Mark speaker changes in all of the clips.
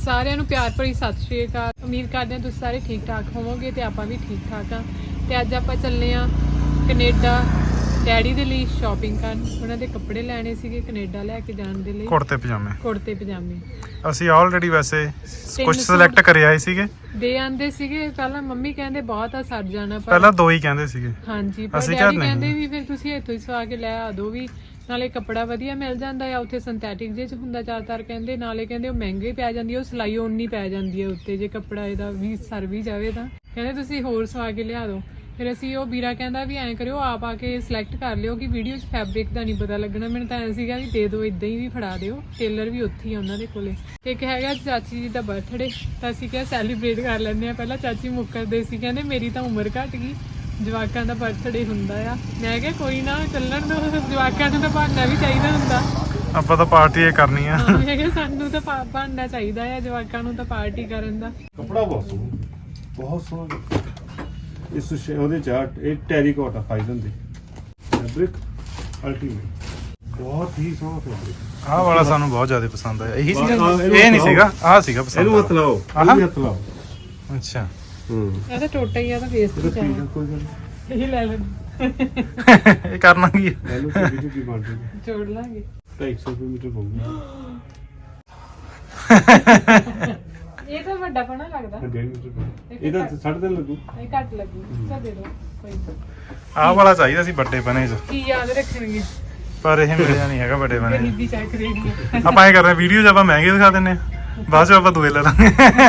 Speaker 1: ਸਾਰਿਆਂ ਨੂੰ ਪਿਆਰ ਭਰੀ ਸਤਿ ਸ਼੍ਰੀ ਅਕਾਲ। ਉਮੀਦ ਕਰਦੇ ਹਾਂ ਤੁਸੀਂ ਸਾਰੇ ਠੀਕ ਠਾਕ ਹੋਵੋਗੇ ਤੇ ਆਪਾਂ ਵੀ ਠੀਕ ਠਾਕ ਆ। ਤੇ ਅੱਜ ਆਪਾਂ ਚੱਲੇ ਆ ਕੈਨੇਡਾ ਡੈਡੀ ਦੇ ਲਈ ਸ਼ਾਪਿੰਗ ਕਰਨ। ਉਹਨਾਂ ਦੇ ਕੱਪੜੇ ਲੈਣੇ ਸੀਗੇ ਕੈਨੇਡਾ ਲੈ ਕੇ ਜਾਣ ਦੇ ਲਈ। ਕੁੜਤੇ ਪਜਾਮੇ
Speaker 2: ਅਸੀਂ ਆਲਰੇਡੀ ਵੈਸੇ ਕੁਝ ਸਿਲੈਕਟ ਕਰੇ ਆਏ ਸੀਗੇ
Speaker 1: ਦੇ ਆਂਦੇ ਸੀਗੇ। ਪਹਿਲਾਂ ਮੰਮੀ ਕਹਿੰਦੇ ਬਹੁਤ ਆ ਸਰ ਜਾਣਾ,
Speaker 2: ਪਹਿਲਾਂ ਦੋ ਹੀ ਕਹਿੰਦੇ ਸੀਗੇ
Speaker 1: ਹਾਂਜੀ, ਪਰ ਡੈਡੀ ਕਹਿੰਦੇ ਵੀ ਫਿਰ ਤੁਸੀਂ ਇੱਥੋਂ ਹੀ ਸਵਾ ਕੇ ਲੈ ਆ ਦੋ ਵੀ, ਨਾਲੇ ਕੱਪੜਾ ਵਧੀਆ ਮਿਲ ਜਾਂਦਾ ਆ ਉੱਥੇ, ਸਿੰਥੈਟਿਕ ਜਿਹੇ ਚ ਹੁੰਦਾ ਜ਼ਿਆਦਾਤਰ ਕਹਿੰਦੇ, ਨਾਲੇ ਕਹਿੰਦੇ ਉਹ ਮਹਿੰਗੇ ਪੈ ਜਾਂਦੀ ਆ, ਉਹ ਸਿਲਾਈ ਓਨੀ ਪੈ ਜਾਂਦੀ ਆ ਉੱਤੇ ਜੇ ਕੱਪੜਾ ਇਹਦਾ ਵੀ ਸਰ ਵੀ ਜਾਵੇ ਤਾਂ ਕਹਿੰਦੇ ਤੁਸੀਂ ਹੋਰ ਸਵਾ ਕੇ ਲਿਆ ਦਿਓ। ਫਿਰ ਅਸੀਂ ਉਹ ਵੀਰਾ ਕਹਿੰਦਾ ਵੀ ਐਂ ਕਰਿਓ ਆਪ ਆ ਕੇ ਸਿਲੈਕਟ ਕਰ ਲਿਓ ਕਿ ਵੀਡੀਓ 'ਚ ਫੈਬਰਿਕ ਦਾ ਨਹੀਂ ਪਤਾ ਲੱਗਣਾ। ਮੈਨੂੰ ਤਾਂ ਐਂ ਸੀਗਾ ਵੀ ਦੇ ਦਿਓ, ਇੱਦਾਂ ਹੀ ਵੀ ਫੜਾ ਦਿਓ, ਟੇਲਰ ਵੀ ਉੱਥੇ ਹੀ ਆ ਉਹਨਾਂ ਦੇ ਕੋਲੇ। ਤੇ ਇੱਕ ਹੈਗਾ ਚਾਚੀ ਜੀ ਦਾ ਬਰਥਡੇ, ਤਾਂ ਅਸੀਂ ਕਿਹਾ ਸੈਲੀਬ੍ਰੇਟ ਕਰ ਲੈਂਦੇ ਹਾਂ। ਪਹਿਲਾਂ ਚਾਚੀ ਮੁੱਕਰਦੇ ਸੀ, ਕਹਿੰਦੇ ਮੇਰੀ ਤਾਂ ਉਮਰ ਘੱਟ ਗਈ, ਜਵਾਕਾਂ ਦਾ ਬਰਥਡੇ ਹੁੰਦਾ ਆ। ਮੈਂ ਕਿਹਾ ਕੋਈ ਨਾ ਚੱਲਣ ਦੋ, ਜਵਾਕਾਂ ਨੂੰ ਤਾਂ ਬਹਾਨਾ ਵੀ ਚਾਹੀਦਾ ਹੁੰਦਾ,
Speaker 2: ਆਪਾਂ ਤਾਂ ਪਾਰਟੀ ਇਹ ਕਰਨੀ ਆ।
Speaker 1: ਮੈਂ ਕਿਹਾ ਸਾਨੂੰ ਤਾਂ ਬਹਾਨਾ ਚਾਹੀਦਾ ਆ, ਜਵਾਕਾਂ ਨੂੰ ਤਾਂ ਪਾਰਟੀ ਕਰਨ ਦਾ।
Speaker 3: ਕੱਪੜਾ ਬਹੁਤ ਸੋਹਣਾ ਇਸ ਉਹਦੇ ਚਾਰਟ ਇਹ ਟੈਰੀਕੋਟਾ ਫਾਈਜ਼ਨ ਦੀ ਫੈਬਰਿਕ ਅਲਟੀਮੇਟ, ਬਹੁਤ ਹੀ ਸੋਹਣਾ ਫੈਬਰਿਕ।
Speaker 2: ਆਹ ਵਾਲਾ ਸਾਨੂੰ ਬਹੁਤ ਜ਼ਿਆਦਾ ਪਸੰਦ ਆਇਆ। ਇਹੀ ਸੀਗਾ, ਇਹ ਨਹੀਂ ਸੀਗਾ, ਆਹ ਸੀਗਾ ਪਸੰਦ।
Speaker 3: ਇਹਨੂੰ ਹੱਥ ਲਾਓ, ਇਹਨੂੰ ਹੱਥ ਲਾਓ।
Speaker 2: ਅੱਛਾ
Speaker 1: ਇਹ ਤਾਂ ਟੋਟਾ ਹੀ ਆ, ਤਾਂ ਵੇਸਟ ਹੀ ਜਾਣਾ,
Speaker 3: ਕੋਈ ਗੱਲ
Speaker 1: ਇਹ ਲੈ ਲੈਣ
Speaker 2: ਇਹ ਕਰਨਾ ਕੀ ਹੈ?
Speaker 3: ਲੈ ਲਓ, ਛੋਟੀ ਛੋਟੀ ਬਣ ਜੂਗੀ,
Speaker 1: ਜੋੜ ਲਾਂਗੇ।
Speaker 3: 250 ਮੀਟਰ ਪਊਗੀ।
Speaker 1: ਇਹ ਤਾਂ ਵੱਡਾ ਪਣਾ ਲੱਗਦਾ,
Speaker 3: 1.5 ਮੀਟਰ ਪਊ। ਇਹਦਾ 3.5 ਲੱਗੂ,
Speaker 1: ਇਹ ਘੱਟ ਲੱਗੂ। ਤਾਂ ਦੇ ਦੋ ਕੋਈ ਨਾ।
Speaker 2: ਆਹ ਵਾਲਾ ਚਾਹੀਦਾ ਸੀ ਵੱਡੇ ਬਣੇ ਚ,
Speaker 1: ਕੀ ਯਾਦ ਰੱਖਣਗੇ,
Speaker 2: ਪਰ ਇਹ ਮਿਲਿਆ ਨਹੀਂ ਹੈਗਾ ਵੱਡੇ ਬਣੇ।
Speaker 1: ਗਰੀਬੀ ਚੱਕ ਰਹੀ ਹੈ।
Speaker 2: ਆਪਾਂ ਇਹ ਕਰ ਰਹੇ ਵੀਡੀਓ 'ਚ ਆਪਾਂ ਮਹਿੰਗੇ ਦਿਖਾ ਦਿੰਨੇ ਆ, ਬਾਅਦ 'ਚ ਆਪਾਂ ਦੂਏ ਲੈ ਲਾਂਗੇ।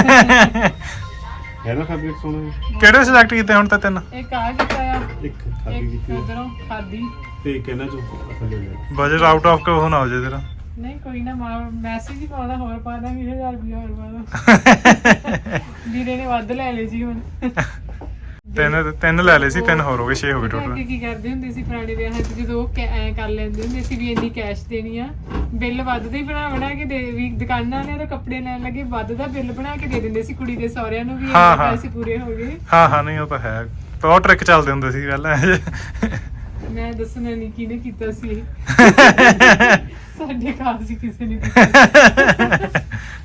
Speaker 3: ਹੈ ਨਾ ਫੈਬਰਿਕ ਸੋਹਣਾ।
Speaker 2: ਕਿਹੜੇ ਸਿਲੈਕਟ ਕੀਤੇ ਹੁਣ ਤਾਂ ਤਿੰਨ?
Speaker 1: ਇੱਕ ਆ ਕੀਤਾ ਆ,
Speaker 3: ਇੱਕ ਖਾਦੀ
Speaker 1: ਇੱਕ
Speaker 3: ਕੀਤੀ
Speaker 1: ਉਧਰੋਂ ਖਾਦੀ,
Speaker 3: ਤੇ ਇੱਕ ਇਹਨਾਂ ਚੋਂ ਥੱਲੇ ਲੈ।
Speaker 2: ਬਜਟ ਆਊਟ ਆਫ ਕੋ ਨਾ ਹੋ ਜੇ ਤੇਰਾ।
Speaker 1: ਨਹੀਂ ਕੋਈ ਨਾ, ਮੈਸੇਜ ਹੀ ਪਾਉਣਾ, ਹੋਰ ਪਾ ਦਾਂਗੇ 1000 ਰੁਪਇਆ ਹੋਰ ਪਾ ਦਾਂ। ਵੀਰੇ ਨੇ ਵੱਧ ਲੈ ਲਏ ਜੀ ਹੁਣ।
Speaker 2: ਤਿੰਨ ਲੈ ਲਏ ਸੀ, ਤਿੰਨ ਹੋਰ ਹੋ ਗਏ, 6 ਹੋ ਗਏ ਟੋਟਲ।
Speaker 1: ਕੀ ਕਰਦੇ ਹੁੰਦੇ ਸੀ ਪੁਰਾਣੇ ਵਿਆਹਾਂ 'ਚ, ਜਦੋਂ ਉਹ ਐਂ ਕਰ ਲੈਂਦੇ ਹੁੰਦੇ ਸੀ ਵੀ ਇੰਨੀ ਕੈਸ਼ ਦੇਣੀ ਆ, ਬਿੱਲ ਵੱਧ ਦਾ ਹੀ ਬਣਾ ਕੇ ਦੇ, ਵੀ ਦੁਕਾਨਾਂ ਵਾਲਿਆਂ ਤੋਂ ਕੱਪੜੇ ਲੈਣ ਲੱਗੇ ਵੱਧ ਦਾ ਬਿੱਲ ਬਣਾ ਕੇ ਦੇ ਦਿੰਦੇ ਸੀ ਕੁੜੀ ਦੇ ਸਹੁਰਿਆਂ ਨੂੰ ਵੀ ਇੰਨੇ ਪੈਸੇ ਪੂਰੇ ਹੋ ਗਏ।
Speaker 2: ਹਾਂ ਨਹੀਂ ਉਹ ਤਾਂ ਹੈ, ਬਹੁਤ ਟ੍ਰਿਕ ਚੱਲਦੇ ਹੁੰਦੇ ਸੀ ਪਹਿਲਾਂ।
Speaker 1: ਮੈਂ ਦੱਸਣਾ ਨਹੀਂ ਕਿਹਨੇ ਕੀਤਾ ਸੀ ਇਹ। ਸਾਡੇ ਘਰ ਸੀ ਕਿਸੇ ਨੇ ਕੀਤਾ।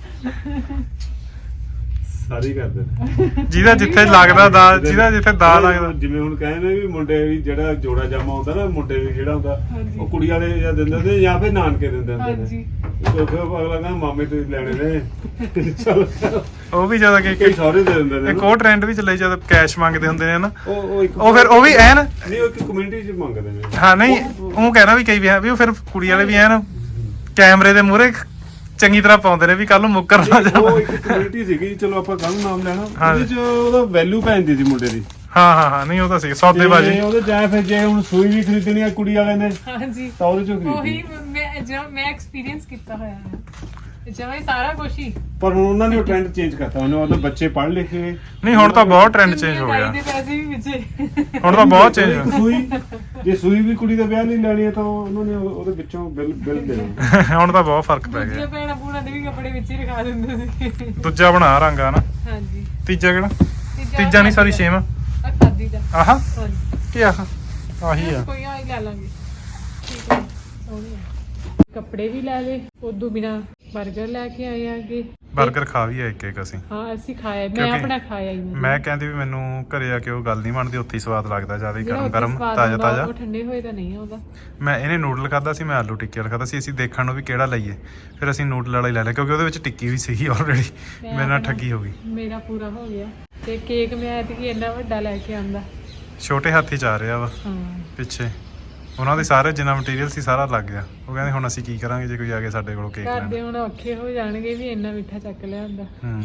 Speaker 3: ਸਾਰੀ ਕਰਦੇ ਨੇ
Speaker 2: ਜਿਹਦਾ ਜਿੱਥੇ ਲੱਗਦਾ ਦਾ, ਜਿਹਦਾ ਜਿੱਥੇ ਦਾ ਲੱਗਦਾ।
Speaker 3: ਜਿਵੇਂ ਹੁਣ ਕਹਿੰਦੇ ਵੀ ਮੁੰਡੇ ਵੀ ਜਿਹੜਾ ਜੋੜਾ ਜਾਮਾ ਹੁੰਦਾ ਨਾ, ਮੁੰਡੇ ਵੀ ਜਿਹੜਾ ਹੁੰਦਾ
Speaker 1: ਹਾਂਜੀ।
Speaker 3: ਉਹ ਕੁੜੀ ਵਾਲੇ ਜਾਂ ਦਿੰਦੇ ਹੁੰਦੇ ਜਾਂ ਫਿਰ ਨਾਨਕੇ ਦਿੰਦੇ ਹੁੰਦੇ ਨੇ।
Speaker 1: ਹਾਂਜੀ।
Speaker 3: ਫਿਰ ਅਗਲਾ ਕਹਿੰਦਾ ਮਾਮੇ ਤੋਂ ਲੈਣੇ ਨੇ, ਚਲੋ
Speaker 2: ਉਹ ਵੀ ਜ਼ਿਆਦਾ
Speaker 3: ਕਈ ਸਾਰੇ ਦੇ ਦਿੰਦੇ ਨੇ।
Speaker 2: ਇੱਕ ਉਹ ਟ੍ਰੈਂਡ ਵੀ ਚੱਲੇ ਜਦ ਕੈਸ਼ ਮੰਗਦੇ ਹੁੰਦੇ ਨੇ ਨਾ,
Speaker 3: ਉਹ
Speaker 2: ਉਹ ਫਿਰ ਉਹ ਵੀ ਐਨ
Speaker 3: ਨਹੀਂ, ਉਹ ਇੱਕ ਕਮਿਊਨਿਟੀ ਚ ਮੰਗਦੇ ਨੇ।
Speaker 2: ਹਾਂ ਨਹੀਂ ਉਹ ਕਹਿਣਾ ਵੀ ਕਈ ਵੀ ਉਹ ਫਿਰ ਕੁੜੀ ਵਾਲੇ ਵੀ ਐਨ ਕੈਮਰੇ ਦੇ ਮੂਹਰੇ ਚੰਗੀ ਤਰ੍ਹਾਂ ਪਾਉਂਦੇ ਨੇ ਵੀ ਕੱਲ ਨੂੰ ਮੁੱਕਰ ਨਾ ਜਾਵੇ।
Speaker 3: ਉਹ ਇੱਕ ਕਮਿਊਨਿਟੀ ਸੀਗੀ, ਚਲੋ ਆਪਾਂ ਕੱਲ ਨਾਮ ਲੈਣਾ, ਉਹਦੇ ਚ ਉਹਦਾ ਵੈਲਿਊ ਪੈਂਦੀ ਸੀ ਮੁੰਡੇ ਦੀ।
Speaker 2: ਹਾਂ ਨਹੀਂ ਉਹ ਤਾਂ ਸੀ ਸੌਦੇਬਾਜ਼ੀ।
Speaker 3: ਉਹਦੇ ਚਾਹੇ ਫਿਰ ਜੇ ਹੁਣ ਸੂਈ ਵੀ ਖਰੀਦਣੀ ਆ ਕੁੜੀ ਵਾਲੇ ਨੇ
Speaker 1: ਹਾਂਜੀ,
Speaker 3: ਤਾਂ ਉਹਦੇ ਚੋਂ
Speaker 1: ਉਹੀ
Speaker 3: ਖਰੀਦੀ।
Speaker 1: ਮੈਂ ਐਕਸਪੀਰੀਅੰਸ ਕੀਤਾ ਹੋਇਆ ਹੈ ਜਿਵੇਂ ਸਾਰਾ ਕੁਝ ਹੀ।
Speaker 3: ਪਰ ਹੁਣ ਉਹਨਾਂ ਨੇ ਉਹ ਟ੍ਰੈਂਡ ਚੇਂਜ ਕਰਤਾ, ਉਹਨੇ ਮਤਲਬ ਬੱਚੇ ਪੜ੍ਹ ਲਿਖ ਕੇ।
Speaker 2: ਨਹੀਂ ਹੁਣ ਤਾਂ ਬਹੁਤ ਟ੍ਰੈਂਡ ਚੇਂਜ ਹੋ ਗਿਆ,
Speaker 1: ਦੇ ਪੈਸੇ ਵੀ ਵਿੱਚੇ
Speaker 2: ਹੁਣ ਤਾਂ ਬਹੁਤ ਚੇਂਜ ਹੋ ਗਿਆ।
Speaker 3: ਸੂਈ ਜੇ ਸੂਈ ਵੀ ਕੁੜੀ ਦਾ ਵਿਆਹ ਨਹੀਂ ਲੈਣੀ ਹੈ ਤਾਂ ਉਹਨਾਂ ਨੇ ਉਹਦੇ ਵਿੱਚੋਂ ਬਿੱਲ ਦੇਣਾ।
Speaker 2: ਹੁਣ ਤਾਂ ਬਹੁਤ ਫਰਕ ਪੈ ਗਿਆ।
Speaker 1: ਭੈਣਾਂ ਭੂਣਾਂ ਦੇ ਵੀ ਕੱਪੜੇ ਵਿੱਚ ਹੀ ਰਖਾ ਦਿੰਦੇ ਸੀ।
Speaker 2: ਦੂਜਾ ਬਣਾ ਰੰਗ ਆ ਨਾ।
Speaker 1: ਹਾਂਜੀ।
Speaker 2: ਤੀਜਾ ਕਿਹੜਾ? ਤੀਜਾ ਨਹੀਂ ਸੌਰੀ ਛੇਵਾਂ।
Speaker 1: ਆ ਖਾਦੀ ਦਾ।
Speaker 2: ਆਹ
Speaker 1: ਹਾਂਜੀ
Speaker 2: ਕੀ ਆਹ ਆਹੀ ਆ।
Speaker 1: ਕੋਈ ਆਈ ਲੈ ਲਾਂਗੇ, ਠੀਕ ਹੈ, ਸੋਹਣੀ ਆ। ਕੱਪੜੇ ਵੀ ਲੈ ਲਏ, ਉਦੋਂ ਬਿਨਾ 버ਗਰ ਲੈ ਕੇ ਆਏ ਆਗੇ।
Speaker 2: 버ਗਰ ਖਾ ਵੀ ਆ ਇੱਕ ਅਸੀਂ।
Speaker 1: ਹਾਂ ਅਸੀਂ ਖਾਇਆ, ਮੈਂ ਆਪਣਾ ਖਾਇਆ ਹੀ।
Speaker 2: ਮੈਂ ਕਹਿੰਦੀ ਵੀ ਮੈਨੂੰ ਘਰੇ ਆ ਕੇ ਉਹ ਗੱਲ ਨਹੀਂ ਬਣਦੀ, ਉੱਥੇ ਹੀ ਸਵਾਦ ਲੱਗਦਾ, ਜਿਆਦਾ ਹੀ ਗਰਮ ਤਾਜ਼ਾ।
Speaker 1: ਉਹ ਠੰਡੇ ਹੋਏ ਤਾਂ ਨਹੀਂ ਆਉਂਦਾ।
Speaker 2: ਮੈਂ ਇਹਨੇ ਨੂਡਲ ਖਾਦਾ ਸੀ, ਮੈਂ ਆਲੂ ਟਿੱਕੀ ਵਾਲਾ ਖਾਦਾ ਸੀ। ਅਸੀਂ ਦੇਖਣ ਨੂੰ ਵੀ ਕਿਹੜਾ ਲਈਏ, ਫਿਰ ਅਸੀਂ ਨੂਡਲ ਵਾਲਾ ਹੀ ਲੈ ਲਿਆ ਕਿਉਂਕਿ ਉਹਦੇ ਵਿੱਚ ਟਿੱਕੀ ਵੀ ਸੀਗੀ ਆਲਰੇਡੀ। ਮੇਰੇ ਨਾਲ ਠੱਗੀ ਹੋ ਗਈ। ਮੇਰਾ ਪੂਰਾ ਹੋ ਗਿਆ। ਤੇ ਕੇਕ ਮੈਂ ਐਤਕੀ ਇੰਨਾ ਵੱਡਾ ਲੈ ਕੇ ਆਂਦਾ, ਛੋਟੇ ਹੱਥੀ ਚ ਆ ਰਿਹਾ ਵਾ। ਪਿੱਛੇ ਉਹਨਾਂ ਦੇ ਸਾਰੇ ਜਿੰਨਾ ਮਟੀਰੀਅਲ ਸੀ ਸਾਰਾ ਲੱਗ ਗਿਆ। ਉਹ ਕਹਿੰਦੇ ਹੁਣ ਅਸੀਂ ਕੀ ਕਰਾਂਗੇ ਜੇ ਕੋਈ ਆ ਕੇ ਸਾਡੇ ਕੋਲੋਂ ਕੇਕ ਲੈਣ। ਘਰਦੇ ਹੁਣ ਔਖੇ ਹੋ ਜਾਣਗੇ ਵੀ ਇੰਨਾ ਮਿੱਠਾ ਚੱਕ ਲਿਆਂਦਾ।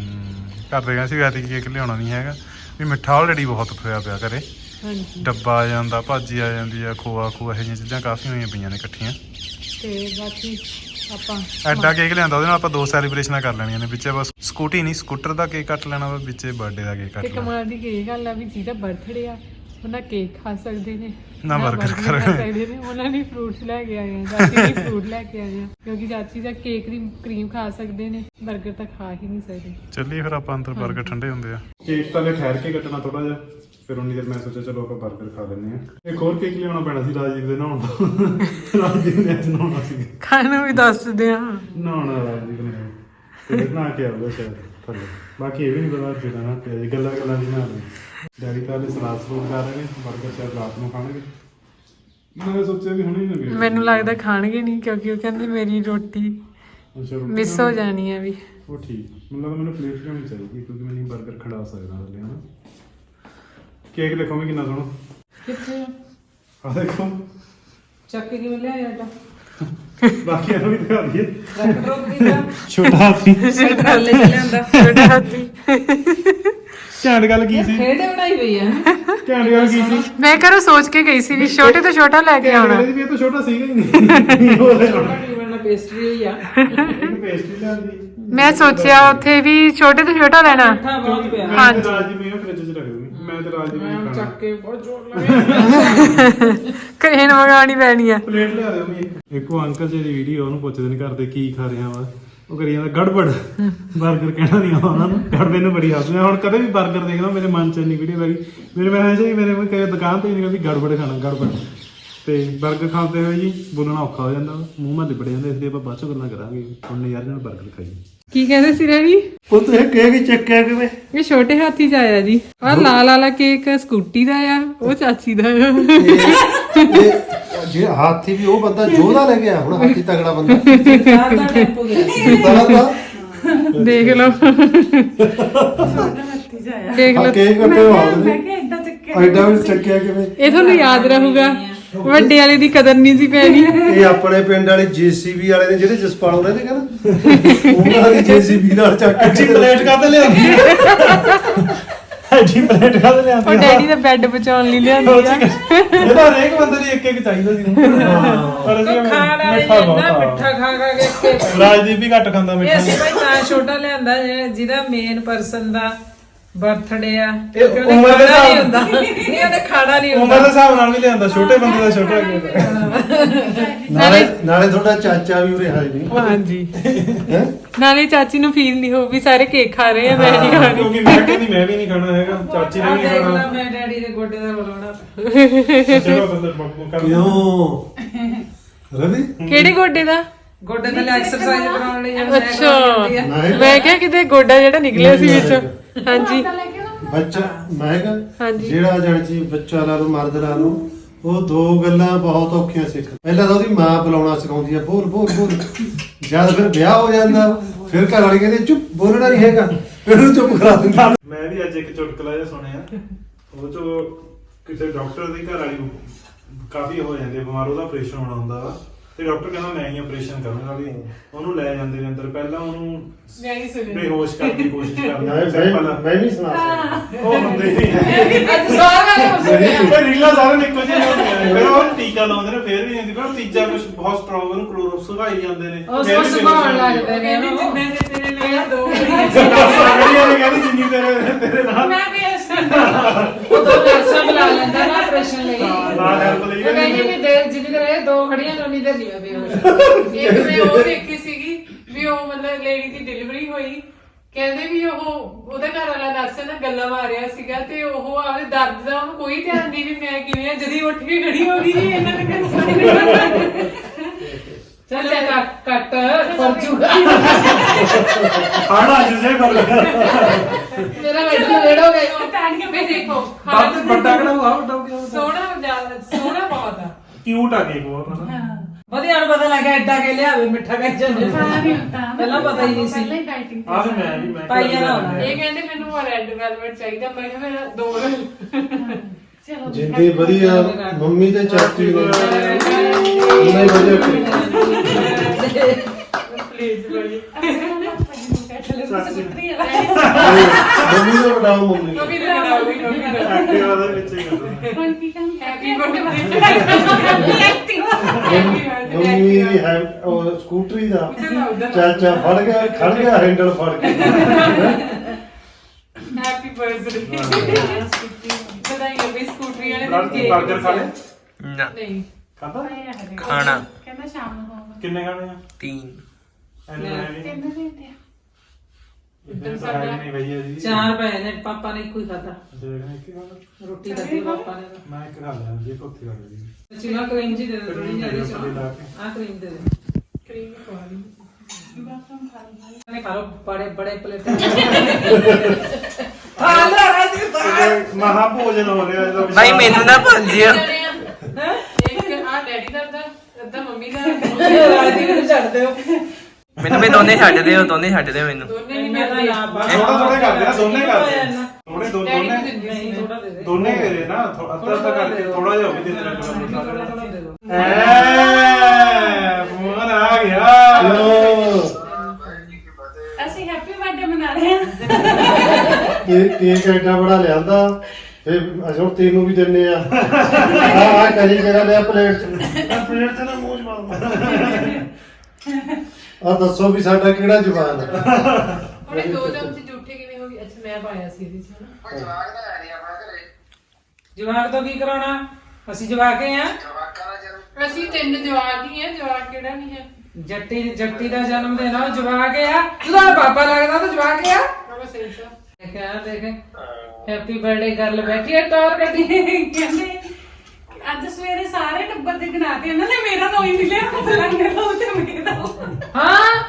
Speaker 2: ਘਰਦੇ ਕਹਿੰਦੇ ਸੀ ਐਤਕੀ ਕੇਕ ਲਿਆਉਣਾ ਨਹੀਂ ਹੈਗਾ ਵੀ ਮਿੱਠਾ ਆਲਰੇਡੀ ਬਹੁਤ ਹੋਇਆ ਪਿਆ ਘਰੇ। ਹਾਂਜੀ। ਡੱਬਾ ਆ ਜਾਂਦਾ, ਭਾਜੀ ਆ ਜਾਂਦੀ ਆ, ਖੋਆ ਇਹੋ ਜਿਹੀਆਂ ਚੀਜ਼ਾਂ ਕਾਫੀ ਹੋਈਆਂ ਪਈਆਂ ਨੇ ਇਕੱਠੀਆਂ। ਤੇ ਬਾਕੀ ਆਪਾਂ ਐਡਾ ਕੇਕ ਲਿਆਂਦਾ, ਉਹਦੇ ਨਾਲ ਆਪਾਂ 2 ਸੈਲੀਬ੍ਰੇਸ਼ਨਾਂ ਕਰ ਲੈਣੀਆਂ ਨੇ। ਵਿੱਚੇ ਬਸ ਸਕੂਟੀ ਨਹੀਂ, ਸਕੂਟਰ ਦਾ ਕੇਕ ਕੱਟ ਲੈਣਾ ਵਾ, ਵਿੱਚੇ ਬਰਥਡੇ ਦਾ ਕੇਕ ਕੱਟ ਲੈਣਾ। ਤੇ ਕਮਾਲ ਦੀ ਇਹ ਗੱਲ ਆ ਵੀ ਜਿਹਦਾ ਬਰਥਡੇ ਆ ਉਹਨਾਂ ਕੇਕ ਖਾ ਸਕਦੇ ਨੇ ਨਾ 버ਗਰ ਖਾ ਸਕਦੇ ਨੇ। ਉਹਨਾਂ ਨੇ ਫਰੂਟਸ ਲੈ ਕੇ ਆਏ ਆ, ਚਾਚੀ ਨੇ ਫਰੂਟ ਲੈ ਕੇ ਆਏ ਆ ਕਿਉਂਕਿ ਚਾਚੀ ਦਾ ਕੇਕ ਦੀ ਕਰੀਮ ਖਾ ਸਕਦੇ ਨੇ, 버ਗਰ ਤਾਂ ਖਾ ਹੀ ਨਹੀਂ ਸਕਦੇ। ਚੱਲੀਏ ਫਿਰ ਆਪਾਂ ਅੰਦਰ, 버ਗਰ ਠੰਡੇ ਹੁੰਦੇ ਆ। ਕੇਕ ਤਾਂ ਲੈ ਠਹਿਰ ਕੇ ਕੱਟਣਾ ਥੋੜਾ ਜਿਹਾ, ਫਿਰ ਉਨੀ ਦੇਰ ਮੈਂ ਸੋਚਿਆ ਚਲੋ ਆਪਾਂ 버ਗਰ ਖਾ ਲੈਂਦੇ ਆ। ਇੱਕ ਹੋਰ ਕੇਕ ਲਿਆਉਣਾ ਪੈਣਾ ਸੀ ਰਾਜੀਵ ਦੇ ਨਹਾਉਣ ਦਾ। ਰਾਜੀਵ ਨੇ ਅੱਜ ਨਹਾਉਣਾ ਸੀ। ਖਾਣ ਨੂੰ ਵੀ ਦੱਸਦੇ ਆ, ਨਹਾਉਣਾ ਰਾਜੀਵ ਨੇ।
Speaker 3: ਫਿਰ ਨਾ ਕੇ ਆਊਗਾ ਸ਼ਾਇਦ ਥੱਲੇ। ਬਾਕੀ ਇਹ ਵੀ ਨਹੀਂ ਪਤਾ ਜਿਹੜਾ ਨਾ ਤੇ ਗੱਲਾਂ ਗੱਲਾਂ ਦੀ ਨਾ ਡੈਡੀ ਤਾਂ ਹਲੇ ਸਲਾਦ ਸਲੂਦ ਕਰ ਰਹੇ ਨੇ, ਬਰਗਰ ਸ਼ਾਇਦ ਰਾਤ ਨੂੰ ਖਾਣਗੇ। ਮੈਂ ਸੋਚਿਆ ਵੀ ਹੁਣੇ ਹੀ ਨਾ
Speaker 1: ਮੈਨੂੰ ਲੱਗਦਾ ਖਾਣਗੇ ਨਹੀਂ, ਕਿਉਂਕਿ ਉਹ ਕਹਿੰਦੇ ਮੇਰੀ ਰੋਟੀ ਮਿਸ ਹੋ ਜਾਣੀ ਹੈ ਵੀ।
Speaker 3: ਉਹ ਠੀਕ, ਮਤਲਬ ਮੈਨੂੰ ਪਲੇਟ ਲਿਆਉਣੀ ਚਾਹੀਦੀ ਕਿਉਂਕਿ ਮੈਂ ਨਹੀਂ ਬਰਗਰ ਖੜਾ ਸਕਦਾ ਹਲੇ ਹਨਾ। ਕੇਕ ਦੇਖੋ ਵੀ ਕਿੰਨਾ ਸੋਹਣਾ।
Speaker 1: ਕਿੱਥੇ
Speaker 3: ਆ ਦੇਖੋ
Speaker 1: ਚੱਕ ਕੇ ਕਿਵੇਂ ਲਿਆਇਆ ਤਾਂ
Speaker 3: ਬਾਕੀ ਇਹਨੂੰ ਵੀ ਦਿਖਾ ਦਈਏ।
Speaker 1: ਰੱਖ ਰੋਕ ਦੀ
Speaker 3: ਛੋਟਾ ਹਾਥੀ
Speaker 1: ਛੋਟਾ ਲੈ ਲਿਆਂਦਾ ਛੋਟਾ ਹਾਥੀ।
Speaker 3: ਘੈਂਟ ਗੱਲ ਕੀ ਸੀ?
Speaker 1: ਖੇੜੇ ਬਣਾਈ ਪਈ ਆ।
Speaker 3: ਘੈਂਟ ਗੱਲ ਕੀ ਸੀ?
Speaker 1: ਮੈਂ ਘਰੋਂ ਸੋਚ ਕੇ ਗਈ ਸੀ ਵੀ ਛੋਟੇ ਤੋਂ ਛੋਟਾ ਲੈ ਕੇ ਆਉਣਾ।
Speaker 3: ਇਹਦੇ ਵੀ ਇਹ ਤਾਂ ਛੋਟਾ ਸੀਗਾ ਹੀ ਨਹੀਂ।
Speaker 1: ਛੋਟਾ ਕੀ ਬਣਨਾ, ਪੇਸਟਰੀ ਹੋਈ ਆ।
Speaker 3: ਇਹਨੂੰ ਪੇਸਟਰੀ ਲਿਆਂਦੀ।
Speaker 1: ਮੈਂ ਸੋਚਿਆ ਉੱਥੇ ਵੀ ਛੋਟੇ ਤੋਂ ਛੋਟਾ ਲੈਣਾ।
Speaker 3: ਬਹੁਤ ਪਿਆ। ਮੈਂ
Speaker 1: ਹਾਂਜੀ।
Speaker 3: ਤੇ ਰਾਜੀ ਮੈਂ ਫ੍ਰਿਜ 'ਚ ਰੱਖ ਦੂੰਗੀ। ਮੈਂ ਤੇ ਰਾਜੀ ਮੈਂ ਚੱਕ ਕੇ
Speaker 1: ਬਹੁਤ ਜ਼ੋਰ ਲਾਇਆ। ਕਰੇਨ ਮੰਗਾਉਣੀ ਪੈਣੀ ਆ।
Speaker 3: ਪਲੇਟ ਲਿਆ ਦਿਓ ਵੀ। ਇੱਕੋ ਅੰਕਲ ਜੀ ਦੀ ਵੀਡੀਓ ਉਹਨੂੰ ਪੁੱਛਦੇ ਨਹੀਂ ਕਰਦੇ ਕੀ ਖਾ ਰਿਹਾ ਵਾ, ਉਹ ਕਰੀ ਜਾਂਦਾ ਗੜਬੜ। ਬਰਗਰ ਕਹਿਣਾ ਨਹੀਂ ਆਉਂਦਾ ਉਹਨਾਂ ਨੂੰ। ਗੜਬੜ ਨੂੰ ਬੜੀ ਹੱਸਦੇ ਹੁਣ ਕਦੇ ਵੀ ਬਰਗਰ ਦੇਖਦਾ ਮੇਰੇ ਮਨ 'ਚ ਇੰਨੀ ਵੀਡੀਓ ਲੱਗੀ ਮੇਰੇ ਮੈਂ ਹਮੇਸ਼ਾ ਹੀ ਮੇਰੇ ਕਈ ਦੁਕਾਨ ਤੇ ਨਹੀਂ ਕਹਿੰਦੀ ਗੜਬੜ ਖਾਣਾ ਗੜਬੜ। ਤੇ ਬਰਗਰ ਖਾਂਦੇ ਹੋਏ ਜੀ ਬੋਲਣਾ ਔਖਾ ਹੋ ਜਾਂਦਾ, ਮੂੰਹ ਮਾ ਲਿਬੜ ਜਾਂਦਾ, ਇਸ ਲਈ ਆਪਾਂ ਬਾਅਦ ਚੋਂ ਗੱਲਾਂ ਕਰਾਂਗੇ। ਹੁਣ ਯਾਰ ਨਾਲ ਬਰਗਰ ਖਾਈਏ। ਕੀ
Speaker 1: ਕਹਿੰਦੇ ਸੀ ਰੈਡੀ?
Speaker 3: ਉਹ ਤੇ ਕੇਕ ਚੱਕਿਆ ਕਿਵੇਂ?
Speaker 1: ਇਹ ਛੋਟੇ ਹਾਥੀ ਚ ਆਇਆ ਜੀ। ਆਹ ਲਾਲ ਵਾਲਾ ਕੇਕ ਸਕੂਟੀ ਦਾ ਆ, ਉਹ ਚਾਚੀ ਦਾ ਆ।
Speaker 4: ਜੇ ਹਾਥੀ ਵੀ ਉਹ ਬੰਦਾ ਜੋਧਾ ਲੈ ਗਿਆ, ਹੁਣ ਹਾਥੀ ਤਗੜਾ ਬੰਦਾ
Speaker 1: ਦੇਖ ਲਓ ਦੇਖ ਲਓ।
Speaker 4: ਕੇਕ ਕੱਟੇ ਮੈਂ ਐਡਾ ਵੀ ਚੱਕਿਆ ਕਿਵੇਂ?
Speaker 1: ਇਹ ਤੁਹਾਨੂੰ ਯਾਦ ਰਹੂਗਾ, ਵੱਡੇ ਵਾਲੇ ਦੀ ਕਦਰ ਨਹੀਂ ਸੀ ਪੈਣੀ।
Speaker 4: ਇਹ ਆਪਣੇ ਪਿੰਡ ਵਾਲੇ ਜੀਸੀਬੀ ਵਾਲੇ ਨੇ ਜਿਹੜੇ ਜਸਪਾਲ ਉਹਨੇ ਨੇ ਕਹਿੰਦਾ ਉਹਨਾਂ ਦੀ ਜੀਸੀਬੀ ਨਾਲ ਚੱਕ ਕੇ
Speaker 3: ਪਲੇਟ ਕਾਹਤੇ ਲਿਆਂਦੀ? ਜੀ ਪਲੇਟ ਕਾਹਤੇ ਲਿਆਂਦੀ?
Speaker 1: ਉਹ ਡੈਡੀ ਦਾ ਬੈੱਡ ਬਚਾਉਣ ਲਈ ਲਿਆਂਦੀ ਆ।
Speaker 3: ਇਹਦਾ ਹਰੇਕ ਬੰਦੇ ਲਈ ਇੱਕ ਇੱਕ ਚਾਹੀਦਾ ਸੀ। ਪਰ ਅਸੀਂ ਮਿੱਠਾ
Speaker 5: ਖਾ ਕੇ
Speaker 3: ਰਾਜਦੀਪ ਵੀ ਘੱਟ ਖਾਂਦਾ ਮਿੱਠਾ।
Speaker 5: ਅਸੀਂ ਭਾਈ ਤਾਂ ਛੋਟਾ ਲਿਆਂਦਾ ਜਿਹਦਾ ਮੇਨ ਪਰਸਨ ਦਾ ਬਰਥਡੇ ਆ।
Speaker 3: ਇਹ ਉਮਰ ਦੇ ਹਿਸਾਬ
Speaker 5: ਹੁੰਦਾ ਨਹੀਂ, ਉਹਨੇ ਖਾਣਾ ਨਹੀਂ
Speaker 3: ਉਮਰ ਦੇ ਹਿਸਾਬ ਨਾਲ ਵੀ ਲਿਆਂਦਾ, ਛੋਟੇ ਬੰਦੇ ਦਾ ਛੋਟਾ
Speaker 4: ਨਾਲੇ ਤੁਹਾਡਾ ਚਾਚਾ ਵੀ ਉਰੇ ਹਾਈ ਨਹੀਂ।
Speaker 1: ਹਾਂਜੀ,
Speaker 4: ਹੈ
Speaker 1: ਨਾਲੇ ਚਾਚੀ ਨੂੰ ਫੀਲ ਨਹੀਂ ਹੋਊ ਵੀ ਸਾਰੇ ਕੇਕ ਖਾ ਰਹੇ ਆ, ਮੈਂ ਨਹੀਂ ਖਾਣੀ।
Speaker 3: ਕਿਉਂਕਿ ਮੈਂ ਕਹਿੰਦੀ ਮੈਂ ਵੀ ਨਹੀਂ ਖਾਣਾ ਹੈਗਾ, ਚਾਚੀ ਨੇ ਵੀ ਨਹੀਂ ਖਾਣਾ।
Speaker 5: ਮੈਂ ਡੈਡੀ ਦੇ ਗੋਡੇ ਦਾ ਬੁਲਾਉਣਾ।
Speaker 3: ਚਲੋ ਬੰਦਰ ਬੱਬੂ ਕਰ
Speaker 4: ਕਿਉਂ ਰਵੀ?
Speaker 1: ਕਿਹੜੇ ਗੋਡੇ ਦਾ?
Speaker 5: ਗੋਡੇ ਦੇ ਲਈ ਐਕਸਰਸਾਈਜ਼ ਕਰਾਉਣ ਲਈ ਜਿਹੜਾ
Speaker 1: ਅੱਛਾ, ਮੈਂ ਕਿਹਾ ਕਿਤੇ ਗੋਡਾ ਜਿਹੜਾ ਨਿਕਲਿਆ ਸੀ ਵਿੱਚੋਂ। ਹਾਂਜੀ
Speaker 4: ਬੱਚਾ ਮੈਂ ਕਿਹਾ
Speaker 1: ਹਾਂਜੀ।
Speaker 4: ਜਿਹੜਾ ਜਣ ਜੀ ਬੱਚਾ ਲਾ ਲਓ ਮਰਦ ਲਾ ਲਓ, ਉਹ ਦੋ ਗੱਲਾਂ ਬਹੁਤ ਔਖੀਆਂ ਸਿੱਖ। ਪਹਿਲਾਂ ਤਾਂ ਉਹਦੀ ਮਾਂ ਬੁਲਾਉਣਾ ਸਿਖਾਉਂਦੀ ਆ, ਬੋਲ ਬੋਲ ਬੋਲ। ਜਦ ਫਿਰ ਵਿਆਹ ਹੋ ਜਾਂਦਾ ਫਿਰ ਘਰ ਵਾਲੀ ਕਹਿੰਦੇ ਚੁੱਪ, ਬੋਲਣਾ ਨਹੀਂ ਹੈਗਾ, ਫਿਰ ਉਹਨੂੰ ਚੁੱਪ ਕਰਾ ਦਿੰਦਾ।
Speaker 3: ਮੈਂ ਵੀ ਅੱਜ ਇੱਕ ਚੁਟਕਲਾ ਜਿਹਾ ਸੁਣਿਆ, ਉਹ ਚੋਂ ਕਿਸੇ ਡਾਕਟਰ ਦੀ ਘਰ ਵਾਲੀ ਕਾਫੀ ਹੋ ਜਾਂਦੇ ਬਿਮਾਰ, ਉਹਦਾ ਆਪਰੇਸ਼ਨ ਹੋਣਾ ਹੁੰਦਾ ਵਾ ਤੇ ਡਾਕਟਰ ਕਹਿੰਦਾ ਮੈਂ ਹੀ ਆਪਰੇਸ਼ਨ ਕਰੂੰਗਾ ਵੀ। ਉਹਨੂੰ ਲੈ ਜਾਂਦੇ ਨੇ ਅੰਦਰ, ਪਹਿਲਾਂ ਉਹਨੂੰ ਬੇਹੋਸ਼ ਕਰਨ ਦੀ ਕੋਸ਼ਿਸ਼ ਕਰਦੇ।
Speaker 4: ਮੈਂ ਨਹੀਂ ਸੁਣਾ ਸਕਦਾ।
Speaker 3: ਉਹ ਹੁੰਦੇ ਨਹੀਂ ਰੀਲਾ ਸਾਰੇ ਨਿੱਕੋ ਜਿਹੇ ਹੁੰਦੀਆਂ ਨੇ, ਫਿਰ ਉਹ ਟੀਕਾ ਲਾਉਂਦੇ ਨੇ, ਫਿਰ ਵੀ ਨਹੀਂ, ਫਿਰ ਤੀਜਾ ਕੁਝ ਬਹੁਤ ਸਟਰੋਂਗ ਉਹਨੂੰ ਕਲੋਰੋਪ ਸੁਗਾਈ ਜਾਂਦੇ ਨੇ,
Speaker 5: ਉਹ ਸੁਭਾਉਣ ਲੱਗਦੇ ਨੇ।
Speaker 1: ਜਿੰਨੇ ਦੇ ਤੇਰੇ ਲਈ ਦੋ
Speaker 3: ਸਾਗੜੀਆਂ ਨੇ ਕਹਿੰਦੀ ਜਿੰਨੀ ਤੇਰੇ ਨਾਲ
Speaker 5: ਮੈਂ ਵੀ ਉਹ ਦੋ ਨਰਸਾਂ ਬੁਲਾ ਲੈਂਦਾ ਨਾ ਆਪਰੇਸ਼ਨ ਲਈ।
Speaker 3: ਨਾਲ ਹੈਲਪ ਲਈ
Speaker 5: ਉਹ ਕਹਿੰਦੀ ਵੀ ਦੇਰ ਜਿੰਨੀ ਦੇਰ ਇਹ ਦੋ ਖੜੀਆਂ ਨੇ ਉਨੀ ਦੇਰ ਨਹੀਂ ਬੇਹੋਸ਼।
Speaker 1: ਇੱਕ ਮੈਂ ਉਹ ਦੇਖੀ ਸੀਗੀ ਵੀ ਉਹ ਮਤਲਬ ਲੇਡੀ ਦੀ ਡਿਲੀਵਰੀ ਹੋਈ, ਕਹਿੰਦੇ ਵੀ ਉਹਦਾ ਘਰ ਵਾਲਾ ਨਰਸ ਨਾਲ ਗੱਲਾਂ ਮਾਰ ਰਿਹਾ ਸੀਗਾ ਤੇ ਉਹ ਆਪਣੇ ਦਰਦ ਦਾ ਉਹਨੂੰ ਕੋਈ ਧਿਆਨ ਨਹੀਂ ਵੀ ਮੈਂ ਕਿਵੇਂ ਆ, ਜਦੀ ਉੱਠ ਕੇ ਖੜੀ ਹੋ ਗਈ ਜੀ। ਇਹਨਾਂ ਨੇ ਕਹਿੰਦੇ
Speaker 5: ਚੱਲ ਕੱਟ ਪਰ ਜੂਗਾ
Speaker 3: ਖਾਣਾ ਜਿਸੇ ਕਰ ਲਿਆ
Speaker 5: ਮੇਰਾ ਬੈਠਾ ਰੇੜ ਹੋ ਗਿਆ।
Speaker 1: ਮੈਂ ਦੇਖੋ
Speaker 3: ਵੱਡਾ ਕਿਹੜਾ ਹੋਆ, ਵੱਡਾ ਹੋ ਗਿਆ
Speaker 1: ਸੋਹਣਾ ਬਹੁਤ ਆ।
Speaker 3: ਕਿਊਟ ਆ ਕੇਕ ਬਹੁਤ ਨਾ।
Speaker 5: ਵਧੀਆ ਨੂੰ ਪਤਾ ਲੱਗਾ ਐਡਾ ਕੇ ਲਿਆਵੇ ਮਿੱਠਾ ਕਹਿ ਜਾਂਦੇ ਪਹਿਲਾਂ ਪਤਾ ਹੀ ਨਹੀਂ ਸੀ।
Speaker 3: ਆ ਵੀ ਮੈਂ
Speaker 5: ਪਾਈ ਜਾਣਾ ਹੋਣਾ।
Speaker 1: ਇਹ ਕਹਿੰਦੇ ਮੈਨੂੰ ਰੈੱਡ ਵੈਲਵਟ ਚਾਹੀਦਾ, ਮੈਂ ਕਿਹਾ ਮੇਰਾ ਦੋ
Speaker 4: ਜਿੰਨੀ ਵਧੀਆ ਮੰਮੀ ਤੇ ਚਾਚੀ ਨੇ ਉਹਨੇ ਵਧੀਆ
Speaker 1: ਪਲੀਜ਼ ਬੜੀ
Speaker 4: ਮੰਮੀ ਦਾ ਬਟਾਓ ਮੰਮੀ
Speaker 1: ਨੋਬੀ ਦਾ ਨੋਬੀ ਦਾ
Speaker 3: ਐਕਟਿਵਾ ਦੇ ਵਿੱਚ ਹੀ ਕਰਦੇ।
Speaker 1: ਹੈਪੀ ਬਰਥਡੇ
Speaker 4: ਮੰਮੀ ਦੀ ਹੈ ਉਹ ਸਕੂਟਰੀ ਦਾ ਚਾਚਾ ਫੜ ਗਿਆ, ਖੜ ਗਿਆ ਹੈਂਡਲ ਫੜ ਕੇ।
Speaker 1: ਹੈਪੀ ਬਰਥਡੇ ਬਧਾਈਆਂ ਵੀ ਸਕੂਟਰੀ ਵਾਲੇ
Speaker 3: ਬਰਗਰ ਖਾ ਲੈ
Speaker 1: ਨਹੀਂ
Speaker 3: ਖਾਂਦਾ
Speaker 6: ਖਾਣਾ
Speaker 7: ਕਹਿੰਦਾ ਸ਼ਾਮ ਨੂੰ ਖਾਵਾਂਗੇ।
Speaker 3: ਕਿੰਨੇ ਖਾਣੇ ਆ?
Speaker 6: 3
Speaker 7: ਤਿੰਨ ਦਿੰਦੇ ਆ।
Speaker 3: ਇਦਾਂ ਸਾਡਾ ਨਹੀਂ ਭਈਆ ਜੀ।
Speaker 5: ਚਾਰ ਪਏ ਨੇ, ਪਾਪਾ ਨੇ ਇੱਕੋ ਹੀ ਖਾਦਾ।
Speaker 3: ਦੇਖਣਾ ਇੱਕ ਖਾਣਾ
Speaker 5: ਰੋਟੀ ਖਾਦੀ ਪਾਪਾ ਨੇ।
Speaker 3: ਮੈਂ ਇੱਕ ਖਾ ਲਿਆ ਜੀ, ਕੋਥੀ ਖਾ ਲਈ।
Speaker 5: ਚਿਲਾ ਕਰੀਮ ਜੀ ਦੇ ਦੇ ਥੋੜੀ ਜਿਹੀ।
Speaker 3: ਲਾ ਕੇ
Speaker 5: ਆ ਕਰੀਮ ਦੇ ਦੇ।
Speaker 1: ਕਰੀਮ ਖਵਾ ਲਈ।
Speaker 5: ਨੇ ਖਾ ਲੋ ਬੜੇ ਬੜੇ ਪਲੇਟ ਖਾ ਲੋ ਰਾਜੀ
Speaker 3: ਮਹਾ ਭੋਜਨ ਹੋ ਰਿਹਾ ਇਹਦਾ
Speaker 6: ਭਾਈ ਮੈਨੂੰ ਨਾ ਭੰਜਿਓ
Speaker 1: ਇੱਕ ਆ ਡੈਡੀ ਦਾ ਅੱਧਾ ਮੰਮੀ ਦਾ
Speaker 5: ਰਾਜੀ ਨੂੰ ਛੱਡ ਦਿਓ
Speaker 6: ਮੈਨੂੰ ਵੀ ਦੋਨੇ ਛੱਡ ਦਿਓ ਮੈਨੂੰ
Speaker 1: ਦੋਨੇ ਨਹੀਂ
Speaker 5: ਮੈਂ ਤਾਂ
Speaker 1: ਮਿਲਦੇ
Speaker 5: ਨਾ ਬਸ
Speaker 3: ਥੋੜਾ ਥੋੜਾ ਕਰਦੇ ਆ ਦੋਨੇ ਕਰਦੇ ਆ। ਥੋੜੇ
Speaker 1: ਡੈਡੀ ਨੂੰ
Speaker 3: ਦੋਨੇ
Speaker 1: ਦਿੰਦੀ ਸੀ
Speaker 5: ਨਹੀਂ ਥੋੜਾ ਦੇ ਦੇ
Speaker 3: ਦੋਨੇ ਦੇ ਰਹੇ ਨਾ ਅੱਧਾ ਅੱਧਾ ਕਰਕੇ ਥੋੜਾ ਜਿਹਾ ਹੋ ਵੀ ਦੇ ਦੇਣਾ
Speaker 5: ਥੋੜਾ ਦੇ ਦਿਓ
Speaker 3: ਫੋਨ ਆ ਗਿਆ
Speaker 7: ਅਸੀਂ ਹੈਪੀ ਬਰਥਡੇ ਮਨਾ ਰਹੇ ਹਾਂ।
Speaker 4: ਕੇਕ ਐਡਾ ਬੜਾ ਲਿਆਂਦਾ ਫੇ ਅਸੀਂ ਹੁਣ ਤੈਨੂੰ ਵੀ ਦਿੰਨੇ ਆ ਆ ਕਰੀ ਕਿਹੜਾ ਲਿਆ ਪਲੇਟ ਚ ਨਾ ਮੂੰਹ ਮਾਰ ਆ ਦੱਸੋ ਵੀ ਸਾਡਾ ਕਿਹੜਾ ਜਵਾਨ ਹੈ
Speaker 1: ਉਹਨੇ 2 ਚਮਚ ਝੂਠੇ ਕਿਵੇਂ ਹੋ ਗਏ ਅੱਛਾ ਮੈਂ ਪਾਇਆ ਸੀ ਇਹਦੇ ਚ ਹਨਾ
Speaker 5: ਜਵਾਕ ਤੋਂ ਕੀ ਕਰਾਉਣਾ ਅਸੀਂ ਜਵਾਕੇ ਆ
Speaker 1: ਅਸੀਂ 3 ਜਵਾਕ ਹੀ ਆ ਜਵਾਕ ਕਿਹੜਾ ਨਹੀਂ ਹੈ
Speaker 5: ਜੱਟੀ ਦਾ ਜਨਮ ਦਿਨ ਆ ਉਹ ਜਵਾਕ ਆ ਜਦੋਂ ਪਾਪਾ ਲੱਗਦਾ ਤਾਂ ਜਵਾਕ ਆ
Speaker 1: ਬਾਬਾ ਸਹੀ ਸਾ
Speaker 5: ਦੇਖਿਆ ਦੇਖ ਹੈਪੀ ਬਰਥਡੇ ਕਰ ਲੈ ਬੈਠੀ ਹੈ ਟੌਰ ਕੱਢੀ
Speaker 7: ਕਹਿੰਦੇ ਅੱਜ ਸਵੇਰੇ ਸਾਰੇ ਟੱਬਰ ਦੇ ਗਨਾਤੇ ਇਹਨਾਂ ਨੇ ਮੇਰਾ ਤਾਂ ਹੀ ਮਿਲਿਆ ਲੰਗਰ ਦਾ ਉੱਤੇ ਮੇਰਾ
Speaker 5: ਹਾਂ